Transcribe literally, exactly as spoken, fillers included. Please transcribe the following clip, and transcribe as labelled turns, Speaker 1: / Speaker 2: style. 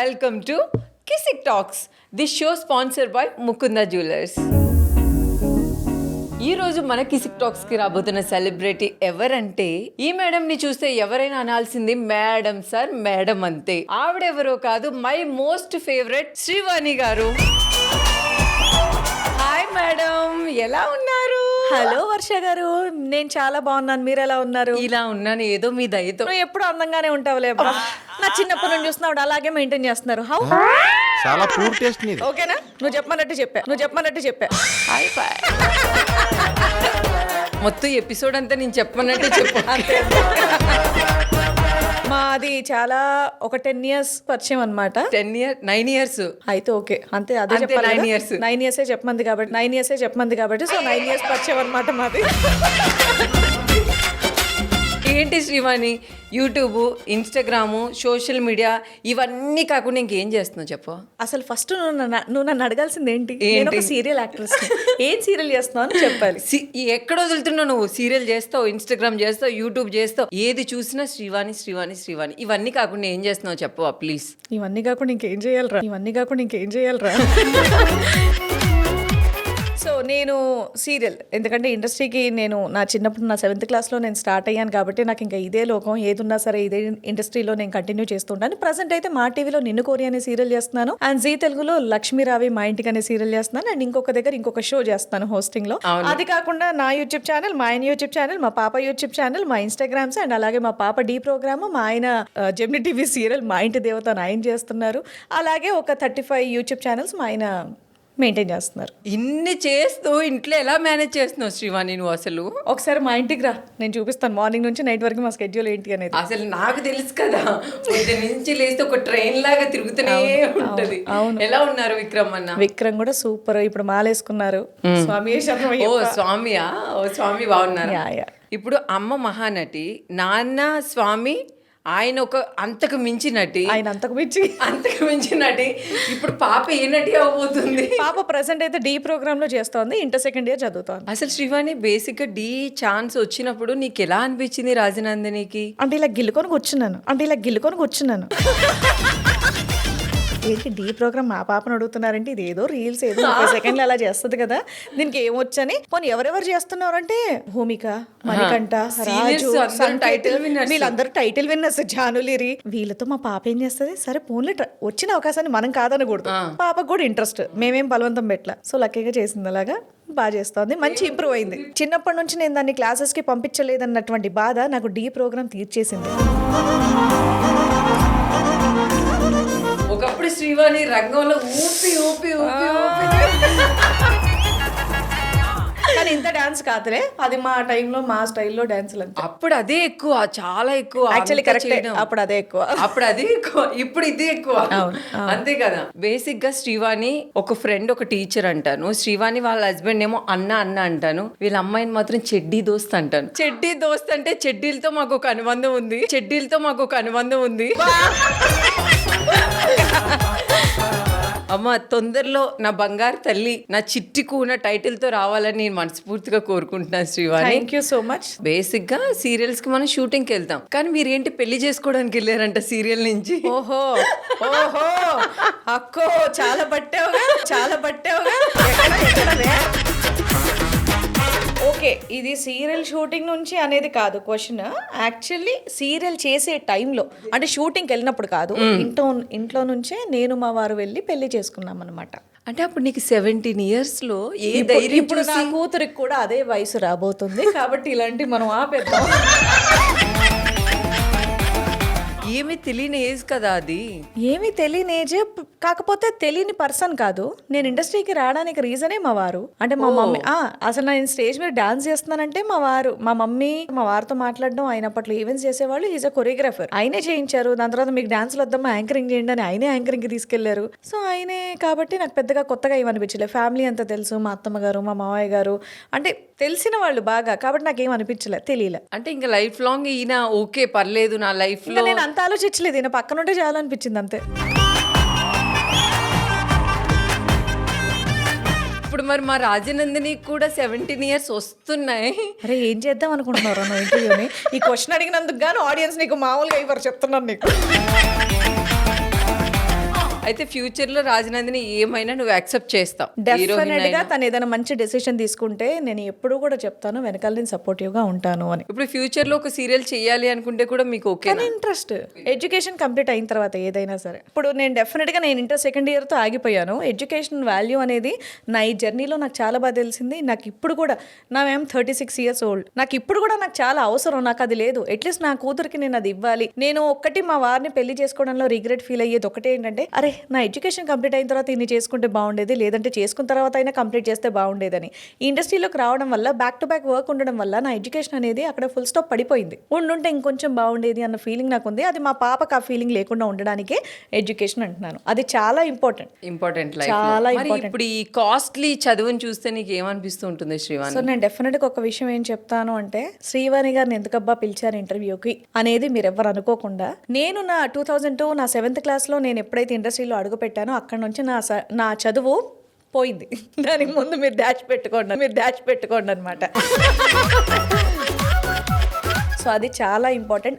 Speaker 1: Welcome to Kissik Talks. This show sponsor by Mukunda Jewellers. ఈ రోజు మన కిసిక్ టాక్స్ కి రాబోతున్న సెలబ్రిటీ ఎవరంటే, ఈ మేడం ని చూస్తే ఎవరైనా అనాల్సింది మేడం సార్ మేడం అంతే. ఆవిడెవరో కాదు, మై మోస్ట్ ఫేవరెట్ శ్రీవాణి గారు. హాయ్ మేడం, ఎలా ఉన్నారు?
Speaker 2: హలో వర్ష గారు, నేను చాలా బాగున్నాను. మీరు ఎలా ఉన్నారు?
Speaker 1: ఇలా ఉన్నాను ఏదో మీ దయతో.
Speaker 2: నువ్వు ఎప్పుడు అందంగానే ఉంటావులే అబ్బా. నా చిన్నప్పటి నుంచి చూస్తున్నావు, అలాగే మెయింటైన్ చేస్తున్నారు. హౌ
Speaker 3: చాలా పూర్ టేస్ట్ నీది.
Speaker 2: ఓకేనా? నువ్వు చెప్పమన్నట్టు చెప్పా నువ్వు చెప్పమన్నట్టు చెప్పా
Speaker 1: హాయ్ బాయ్. మొత్తం ఎపిసోడ్ అంతా నేను చెప్పమన్నట్టే చెప్పు.
Speaker 2: మాది చాలా ఒక టెన్ ఇయర్స్ పరిచయం అనమాట.
Speaker 1: టెన్ ఇయర్ నైన్ ఇయర్స్
Speaker 2: అయితే ఓకే, అంతే. అదే
Speaker 1: అంతే,
Speaker 2: చెప్పాలి.
Speaker 1: nine years.
Speaker 2: నైన్ ఇయర్స్ చెప్పమంది కాబట్టి నైన్ ఇయర్స్ చెప్పమంది కాబట్టి సో నైన్ ఇయర్స్ పరిచయం అనమాట మాది.
Speaker 1: ఏంటి Srivani, YouTube, Instagram, social media ఇవన్నీ కాకుండా ఇంకేం చేస్తున్నావు చెప్పు.
Speaker 2: అసలు ఫస్ట్ నువ్వు నన్ను నువ్వు నన్ను అడగాల్సింది ఏంటి?
Speaker 1: ఏంటి?
Speaker 2: నేను ఒక సీరియల్ యాక్ట్రెస్. ఏం సీరియల్ చేస్తున్నావు అని చెప్పాలి.
Speaker 1: సి- ఎక్కడ వదులుతున్నావు నువ్వు? సీరియల్ చేస్తావు, ఇన్స్టాగ్రామ్ చేస్తావు, యూట్యూబ్ చేస్తావు, ఏది చూసినా శ్రీవాణి శ్రీవాణి శ్రీవాణి. ఇవన్నీ కాకుండా ఏం చేస్తున్నావు చెప్పు ప్లీజ్.
Speaker 2: ఇవన్నీ కాకుండా ఇంకేం చేయాలరా ఇవన్నీ కాకుండా ఇంకేం చేయాలరా సో నేను సీరియల్, ఎందుకంటే ఇండస్ట్రీకి నేను నా చిన్నప్పుడు నా సెవెంత్ క్లాస్లో నేను స్టార్ట్ అయ్యాను కాబట్టి నాకు ఇంకా ఇదే లోకం, ఏదున్నా సరే ఇదే ఇండస్ట్రీలో నేను కంటిన్యూ చేస్తుంటాను. ప్రజెంట్ అయితే మా టీవీలో నిన్ను కోరి అనే సీరియల్ చేస్తున్నాను, అండ్ జీ తెలుగులో లక్ష్మీరావి మా ఇంటికి అనే సీరియల్ చేస్తున్నాను, అండ్ ఇంకొక దగ్గర ఇంకొక షో చేస్తాను హోస్టింగ్ లో. అది కాకుండా నా యూట్యూబ్ ఛానల్, మా ఆయన యూట్యూబ్ ఛానల్, మా పాప యూట్యూబ్ ఛానల్, మా ఇన్స్టాగ్రామ్స్, అండ్ అలాగే మా పాప డీ ప్రోగ్రామ్, మా ఆయన జెమిని టీవీ సీరియల్ మా ఇంటి దేవత ఆయన చేస్తున్నారు. అలాగే ఒక థర్టీ ఫైవ్ యూట్యూబ్ ఛానల్స్ మా ఆయన మెయింటైన్ చేస్తున్నారు.
Speaker 1: ఇన్ని చేస్తూ ఇంట్లో ఎలా మేనేజ్ చేస్తున్నావు శ్రీవాణి నువ్వు అసలు?
Speaker 2: ఒకసారి మా ఇంటికి రా, నేను చూపిస్తాను మార్నింగ్ నుంచి నైట్ వరకు మా స్కెడ్యూల్ ఏంటి అనేది.
Speaker 1: అసలు నాకు తెలుసు కదా, పొద్దు నుంచి లేస్తే ఒక ట్రైన్ లాగా తిరుగుతూనే ఉంటది. ఎలా ఉన్నారు విక్రమ్ అన్న?
Speaker 2: విక్రమ్ కూడా సూపర్, ఇప్పుడు మాలేసుకున్నారు. స్వామి
Speaker 1: ఓ స్వామియా? ఓ స్వామి బాగున్నారు.
Speaker 2: Yeah, yeah.
Speaker 1: ఇప్పుడు అమ్మ మహానటి, నాన్న స్వామి, ఆయన ఒక అంతకు మించి నటి,
Speaker 2: ఆయన అంతకు మించి
Speaker 1: అంతకు మించి నటి. ఇప్పుడు పాప ఏ నటి అవ్వబోతుంది?
Speaker 2: పాప ప్రెసెంట్ అయితే డి ప్రోగ్రామ్ లో చేస్తోంది, ఇంటర్ సెకండ్ ఇయర్ చదువుతోంది.
Speaker 1: అసలు శ్రీవాణి బేసిక్ గా డి ఛాన్స్ వచ్చినప్పుడు నీకు ఎలా అనిపించింది రాజనందినికి?
Speaker 2: అంటే ఇలా గిల్లుకొని కూర్చున్నాను అంటే ఇలా గిల్లుకొని కూర్చున్నాను ఏంటి డి ప్రోగ్రామ్ మా పాపను అడుగుతున్నారంటే, ఇది ఏదో రీల్స్ ఏదో ముప్పై సెకండ్లు అలా చేస్తుంది కదా, దీనికి ఏమొచ్చని. పోనీ ఎవరెవరు చేస్తున్నారు అంటే భూమిక, మణికంఠ, రాజు,
Speaker 1: టైటిల్ విన్నర్స్.
Speaker 2: వీళ్ళందరూ టైటిల్ విన్నర్స్, జానులిరి. వీళ్ళతో మా పాప ఏం చేస్తుంది, సరే ఫోన్లో వచ్చిన అవకాశాన్ని మనం కాదనకూడదు, పాపకు కూడా ఇంట్రెస్ట్, మేమేం బలవంతం పెట్టలా. సో లక్కీగా చేసింది, అలాగా బాగా చేస్తోంది, మంచి ఇంప్రూవ్ అయింది. చిన్నప్పటి నుంచి నేను దాన్ని క్లాసెస్ కి పంపించలేదన్నటువంటి బాధ నాకు డి ప్రోగ్రామ్ తీర్చేసింది.
Speaker 1: ఒకప్పుడు శ్రీవాణి రంగంలో ఊపి ఊపి ఊపి ఊపి
Speaker 2: కానీ ఇంత డాన్స్ కాదులే, అది మా టైంలో మా స్టైల్లో డాన్సులు అంతే.
Speaker 1: అప్పుడు అదే ఎక్కువ, చాలా ఎక్కువ.
Speaker 2: యాక్చువల్లీ కరెక్ట్, అప్పుడు అదే ఎక్కువ
Speaker 1: అప్పుడు అదే ఎక్కువ, ఇప్పుడు ఇదే ఎక్కువ. అంతే కదా. బేసిక్ గా శ్రీవాణి ఒక ఫ్రెండ్, ఒక టీచర్ అంటాను. శ్రీవాణి వాళ్ళ హస్బెండ్ ఏమో అన్న అన్న అంటాను. వీళ్ళ అమ్మాయిని మాత్రం చెడ్డీ దోస్త్ అంటాను. చెడ్డీ దోస్త్ అంటే చెడ్డీలతో మాకు ఒక అనుబంధం ఉంది, చెడ్డీలతో మాకు ఒక అనుబంధం ఉంది. అమ్మ తొందరలో నా బంగారు తల్లి, నా చిట్టి కూన టైటిల్ తో రావాలని నేను మనస్ఫూర్తిగా కోరుకుంటున్నాను Srivani.
Speaker 2: Thank you so much.
Speaker 1: Basic గా సీరియల్స్ కి మనం షూటింగ్ కి వెళ్తాం, కానీ మీరు ఏంటి పెళ్లి చేసుకోవడానికి వెళ్ళారంట సీరియల్ నుంచి?
Speaker 2: ఓహో ఓహో అక్కో, చాలా పట్టావుగా చాలా పట్టావుగా ఓకే, ఇది సీరియల్ షూటింగ్ నుంచి అనేది కాదు క్వశ్చన్. యాక్చువల్లీ సీరియల్ చేసే టైంలో, అంటే షూటింగ్కి వెళ్ళినప్పుడు కాదు, ఇంట్లో ఇంట్లో నుంచే నేను మా వారు వెళ్ళి పెళ్లి చేసుకున్నాం అనమాట.
Speaker 1: అంటే అప్పుడు నీకు సెవెంటీన్ ఇయర్స్ లో ఏ ధైర్యం?
Speaker 2: ఇప్పుడు నా కూతురికి కూడా అదే వయసు రాబోతుంది కాబట్టి ఇలాంటి మనం ఆపేద్దాం.
Speaker 1: ఏమీ తెలియని ఏజ్ కదా అది.
Speaker 2: ఏమీ తెలియని ఏజ్, కాకపోతే తెలియని పర్సన్ కాదు. నేను ఇండస్ట్రీకి రావడానికి రీజనే మా వారు. అంటే మా మమ్మీ, అసలు నేను స్టేజ్ మీద డాన్స్ చేస్తున్నానంటే మా వారు, మా మమ్మీ మా వారితో మాట్లాడడం, ఆయన అప్పట్లో ఈవెంట్స్ చేసేవాళ్ళు, ఈజ్ అ కొరియోగ్రాఫర్, ఆయనే చేయించారు. దాని తర్వాత మీకు డాన్స్లు వద్దామా, యాంకరింగ్ చేయండి అని ఆయనే యాంకరింగ్కి తీసుకెళ్లారు. సో ఆయనే కాబట్టి నాకు పెద్దగా కొత్తగా ఏమనిపించలేదు. ఫ్యామిలీ అంతా తెలుసు, మా అత్తమ్మ గారు, మా మామయ్య గారు, అంటే తెలిసిన వాళ్ళు బాగా, కాబట్టి నాకేం అనిపించలేదు, తెలియలే.
Speaker 1: అంటే ఇంకా లైఫ్ లాంగ్ ఈయన ఓకే పర్లేదు నా లైఫ్ లో,
Speaker 2: నేను అంత ఆలోచించలేదు, ఈయన పక్కన ఉంటే చాలనిపించింది అంతే.
Speaker 1: ఇప్పుడు మరి మా రాజనందిని కూడా సెవెంటీన్ ఇయర్స్ వస్తున్నాయి.
Speaker 2: అరే ఏం చేద్దాం అనుకుంటున్నారు నువ్వు ఇంటర్వ్యూని? ఈ క్వశ్చన్ అడిగినందుకు గాను ఆడియన్స్ నీకు మామూలుగా ఇవ్వరు, చెప్తున్నాను నీకు.
Speaker 1: అయితే ఫ్యూచర్ లో రాజనందిని ఏమైనా నువ్వు యాక్సెప్ట్ చేస్తావు
Speaker 2: డెఫినెట్ గా తను ఏదైనా మంచి డెసిషన్ తీసుకుంటే నేను ఎప్పుడు కూడా చెప్తాను వెనకాల నేను సపోర్టివ్ గా ఉంటాను అని.
Speaker 1: ఇప్పుడు ఫ్యూచర్ లో ఒక సీరియల్ చేయాలి అనుకుంటే కూడా మీకు ఓకే
Speaker 2: కానీ ఇంట్రెస్ట్ ఎడ్యుకేషన్ కంప్లీట్ అయిన తర్వాత ఏదైనా సరే, ఇప్పుడు నేను డెఫినెట్ గా నేను ఇంటర్ సెకండ్ ఇయర్ తో ఆగిపోయాను. ఎడ్యుకేషన్ వాల్యూ అనేది నా ఈ జర్నీలో నాకు చాలా బాగా తెలిసింది. నాకు ఇప్పుడు కూడా నా మేము థర్టీ సిక్స్ ఇయర్స్ ఓల్డ్, నాకు ఇప్పుడు కూడా నాకు చాలా అవసరం. నాకు అది లేదు, అట్లీస్ట్ నా కూతురికి నేను అది ఇవ్వాలి. నేను ఒక్కటి మా వారిని పెళ్లి చేసుకోవడంలో రిగ్రెట్ ఫీల్ అయ్యేది ఒకటే ఏంటంటే, అరే నా ఎడ్యుకేషన్ కంప్లీట్ అయిన తర్వాత ఇన్ని చేసుకుంటే బాగుండేది, లేదంటే చేసుకున్న తర్వాత అయినా కంప్లీట్ చేస్తే బాగుండేదని. ఈ ఇండస్ట్రీలోకి రావడం వల్ల బ్యాక్ టు బ్యాక్ వర్క్ ఉండడం వల్ల నా ఎడ్యుకేషన్ అనేది అక్కడ ఫుల్ స్టాప్ పడిపోయింది. ఉండుంటే ఇంకొంచెం బాగుండేది అన్న ఫీలింగ్ నాకు ఉంది. అది మా పాపకు ఆ ఫీలింగ్ లేకుండా ఉండడానికే ఎడ్యుకేషన్ అంటున్నాను. అది చాలా ఇంపార్టెంట్
Speaker 1: ఇంపార్టెంట్
Speaker 2: చాలా
Speaker 1: లైఫ్.
Speaker 2: important.
Speaker 1: ఇప్పుడు ఈ కాస్ట్లీ చదువుని చూస్తే నీకు ఏమనిపిస్తూ ఉంటుంది శ్రీవాణి?
Speaker 2: సో నేను డెఫినెట్గా ఒక విషయం ఏం చెప్తాను అంటే, శ్రీవాణి గారిని ఎందుకబ్బా పిలిచారు ఇంటర్వ్యూకి అనేది మీరు ఎవరు అనుకోకుండా, నేను నా టూ థౌజండ్ టూ నా సెవెంత్ క్లాస్లో నేను ఎప్పుడైతే ఇండస్ట్రీలో అడుగు పెట్టానో అక్కడ నుంచి నా స- నా చదువు పోయింది. దానికి ముందు మీరు డాష్ పెట్టుకోండి మీరు డాష్ పెట్టుకోండి అనమాట. సో అది చాలా ఇంపార్టెంట్.